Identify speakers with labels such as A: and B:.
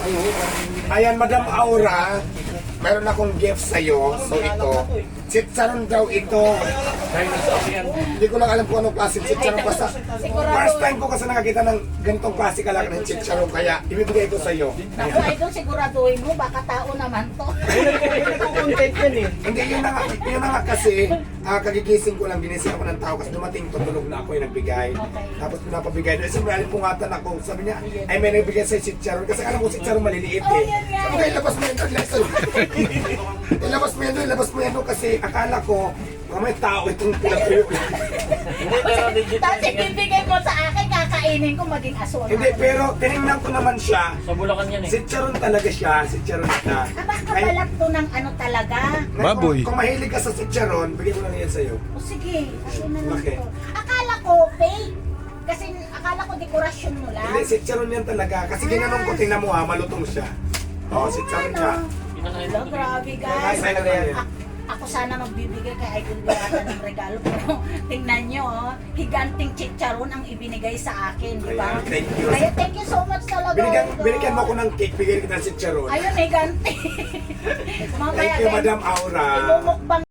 A: Ayan, Madam Aura, meron akong gift sa'yo. So ito, chicharon daw ito. Hindi ko lang alam kung anong klase chicharon. Basta, first time ko kasi nakakita ng ganitong klase kalaki ng chicharon. Kaya, ibibigay ito sa'yo.
B: Naku, idol, siguraduhin mo, baka tao naman to.
A: Hindi, yun na nga kasi, kagigising ko lang, ginising ako ng tao kasi dumating tutulog na ako yung nagbigay. Tapos pinapabigay doon. Siyempre, pungatan ako. Sabi niya, ay may nagbigay sa'yo chicharon. Kasi alam ko chicharon maliliit eh. Sabi ko, ilabas mo yun. Ilabas mo yan kasi akala ko, may tao itong pinapilip.
B: Tapos ibibigay mo sa akin, kakainin ko maging aswang.
A: Hindi, pero tinignan ko naman siya.
C: Sa Bulacan yan eh.
A: Chicharon talaga siya, chicharon siya.
B: Aba, kabalak to ng ano talaga.
D: Baboy.
A: Kung mahilig ka sa chicharon, bigyan ko na yan sa'yo.
B: O sige, ano na lang
A: Okay.
B: to. Akala ko fake. Kasi akala ko dekorasyon mo lang.
A: Hindi, chicharon yan talaga. Kasi ginanong ko, tingnan mo ha, malutong siya. Oo, chicharon siya.
B: Hello, grabe
A: Ay,
B: guys.
A: sa'yo na yan.
B: Ako sana magbibigay kay Idol Diwata ng regalo. Pero tingnan nyo, oh, higanting chicharon ang ibinigay sa akin, di ba?
A: Ayan, thank you.
B: Kaya thank you so much talaga.
A: Binigyan mo ako ng cake, bigyan kita ng chicharon.
B: Ayun, higanting.
A: Thank you, Madam Aura.
B: Imumukbang